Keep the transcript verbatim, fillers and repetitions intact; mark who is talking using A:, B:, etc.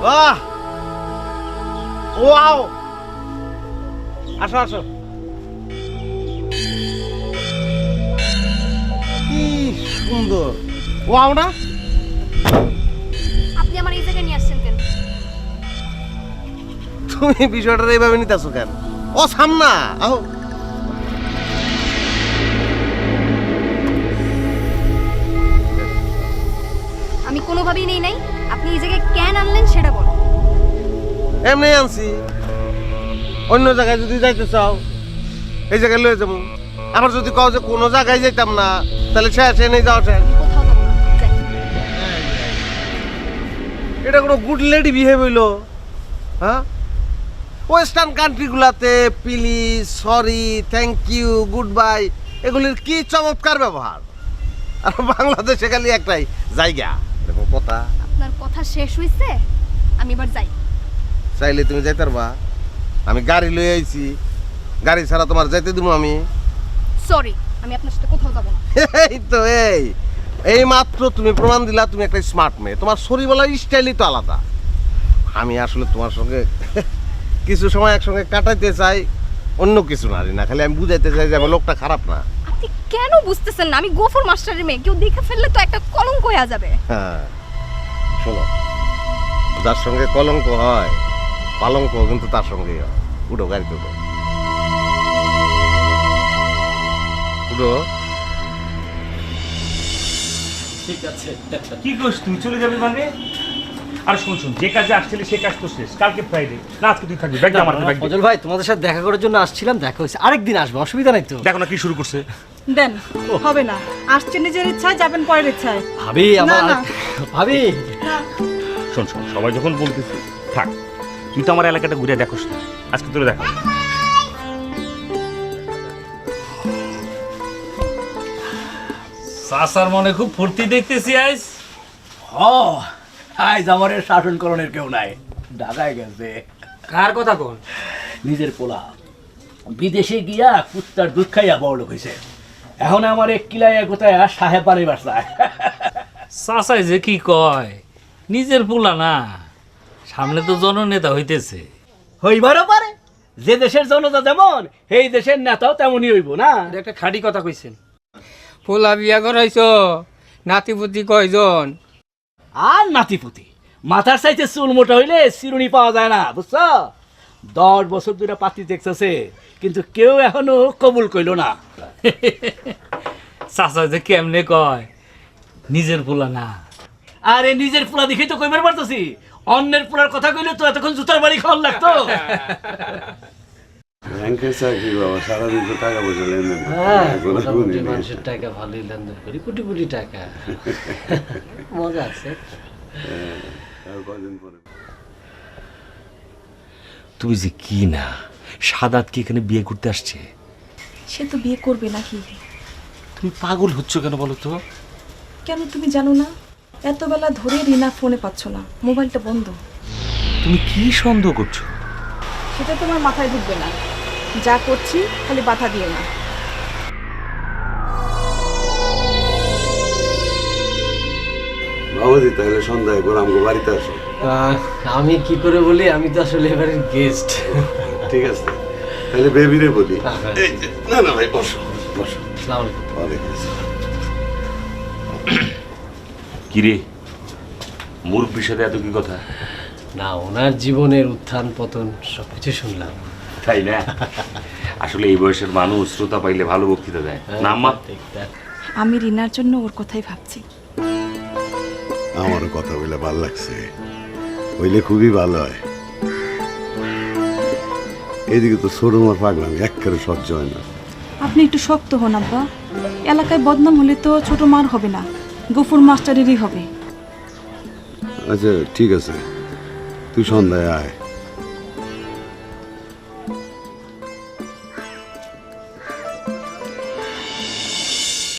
A: বাহ, ওয়াও, আসো আসো। কি সুন্দর, ওয়াও না?
B: আপনি আমার এই জায়গায় নিয়ে আসছেন কেন?
A: তুমি বিষয়টা এইভাবে নিতেছো কেন? ও সামনা আহ
B: আমি কোনোভাবেই নেই নাই। আপনি এই জায়গায় কেন আনলেন সেটা বলুন।
A: এমনি আনছি, অন্য জায়গায় যদি যাইতে চাও এই জায়গায় লয়ে যাবো। আবার যদি কও যে কোনো জায়গায় যাইতাম না, তাহলে শেষ এনে যাওয়া শেষ।
B: আমি কোথাও যাবো না, যাই।
A: এটা কোনো গুড লেডি বিহেভ হইলো? হ্যাঁ, ওয়েস্টার্ন কান্ট্রিগুলাতে please, sorry, thank you, good bye এগুলির কি চমৎকার ব্যবহার। আর বাংলাদেশে খালি একটাই জায়গা, দেখো কথা।
B: আপনার কথা শেষ হইছে, আমি এবার যাই।
A: চাইলে তুমি যাইতে পারবা, আমি গাড়ি লয়ে আইছি, গাড়ি ছাড়া তোমার যাইতে দিব আমি?
B: সরি, আমি আপনার সাথে কোথাও যাবো না।
A: এই তো এই এই মাত্র তুমি প্রমাণ দিলা তুমি একটা স্মার্ট মেয়ে। তোমার সরি বলার স্টাইলই তো আলাদা। আমি আসলে তোমার সঙ্গে কিছু সময় একসঙ্গে কাটাইতে চাই, অন্য কিছু না না খালি আমি বুঝাইতে চাই যে আমার লোকটা খারাপ না।
B: আপনি কেন বুঝতেছেন না? আমি গফুর মাস্টারের মেয়ে, কেউ দেখে ফেললে তো একটা কলঙ্ক হয়ে যাবে।
A: হ্যাঁ, শোনো, যার সঙ্গে কলঙ্ক হয় পালঙ্ক কিন্তু তার সঙ্গেই হয়। উঠো, গাড়িতে উঠো, উঠো।
C: ঠিক আছে।
D: কি করছ তুই? চলে যাবি মানে? আর শোন শোন, যে কাজে আসছিলি সে কাজ তো শেষ। কালকে ফ্রাইডে, না আজকে তুই থাকবি। ব্যাগ আমার ব্যাগ।
C: ফজল ভাই, তোমাদের সাথে দেখা করার জন্য আসছিলাম, দেখা হয়েছে, আরেকদিন আসবো, অসুবিধা নাই তো।
D: দেখো না কি শুরু করছে।
E: দেন, হবে না। আসছেন নিজের ইচ্ছায়, যাবেন পরের ইচ্ছায়।
C: ভাবি আমার,
E: না, না।
C: ভাবি
D: শোন শোন, সবাই যখন বলতেছে থাক, তুই তো আমার এলাকাটা ঘুরে দেখোস না, আজকে তোরে দেখা।
F: সাসার মনে খুব ফুর্তি দেখতেছি আজ।
G: ও আজ আমার শাসনকরণের কেউ নাই, ঢাকায় গেছে।
F: কার কথা কোন?
G: নিজের পোলা বিদেশে গিয়া কুত্তার দুধ খাইয়া বড় লোক হয়েছে। এখন আমার এক কিলাইয়া কোথায় সাহেব পানি বাসায়।
F: সাসাই যে কি কয়, নিজের পোলা না, সামনে তো জননেতা হইতেছে।
G: হইবারও পারে, যে দেশের জনতা যেমন সেই দেশের নেতাও তেমনই হইব না।
H: এটা একটা খাঁটি কথা কইছেন। ফুলা বিয়া করাইছ, নাতিপুতি কয়জন?
G: আর নাতিপুতি মাথার চাইতে চুল মোটা হইলে চিরুনি পাওয়া যায় না, বুঝছ? দশ বছর ধরে পাতি দেখতেছে, কিন্তু কেউ এখনো কবুল কইল না।
F: সাসা যে কেমনে কয় নিজের পোলা না।
G: আরে নিজের পোলা দেখেই তো কইবার পারতেছি, অন্যের পোলার কথা কইলে তো এতক্ষণ জুতার বাড়ি খাওয়ার লাগতো।
I: ব্যাংকের চাকরি বাবা, সারাদিন তো টাকা পয়সা লেনদেন
C: মানুষের টাকা ভালোই লেনদেন করি, কোটি কোটি টাকা। মজা আছে।
I: কদিন পরে
D: তুমি যে কি না, সাদাত কি এখানে বিয়ে করতে আসছে?
E: সে তো বিয়ে করবে নাকি?
D: তুমি পাগল হচ্ছ কেন বলো তো?
E: কেন তুমি জানো না? এত বেলা ধরে রিনা ফোনে পাচ্ছ না, মোবাইলটা বন্ধ।
D: তুমি কি সন্দেহ করছো?
E: সেটা তোমার মাথায় ঢুকবে না। যা করছি খালি বাধা দিও না।
I: বাবাজি, তাহলে সন্ধ্যায় করে আমাকে বাড়িতে আসো।
C: আমি কি করে বলি, আমি তো আসলে এবারে গেস্ট।
I: ঠিক আছে, তাহলে বেবিরে বলি। এই যে, না না ভাই, বসো বসো।
C: আসসালামু আলাইকুম।
I: ওয়ালাইকুম আসসালাম।
D: কিরে, মুরব্বির সাথে এত কি কথা?
C: না, ওনার জীবনের উত্থান পতন সবকিছু শুনলাম।
D: তাই না? আসলে এই বয়সের মানুষ শ্রোতা পাইলে ভালো বক্তৃতা দেয় না আম্মা?
E: আমি রিনার জন্য ওর কথাই ভাবছি।
I: আমারও কথা বলে ভালো লাগছে, হইলে খুবই ভালো হয়। এদিকে তো ছোটমার পাগলাম একেবারে সহ্য হয় না।
E: আপনি একটু শক্ত হন আব্বা। এলাকায় বদনাম হলে তো ছোট মার হবে না, গফুর মাস্টারেরই হবে।
I: আচ্ছা ঠিক আছে, তুই সন্ধ্যায় আয়।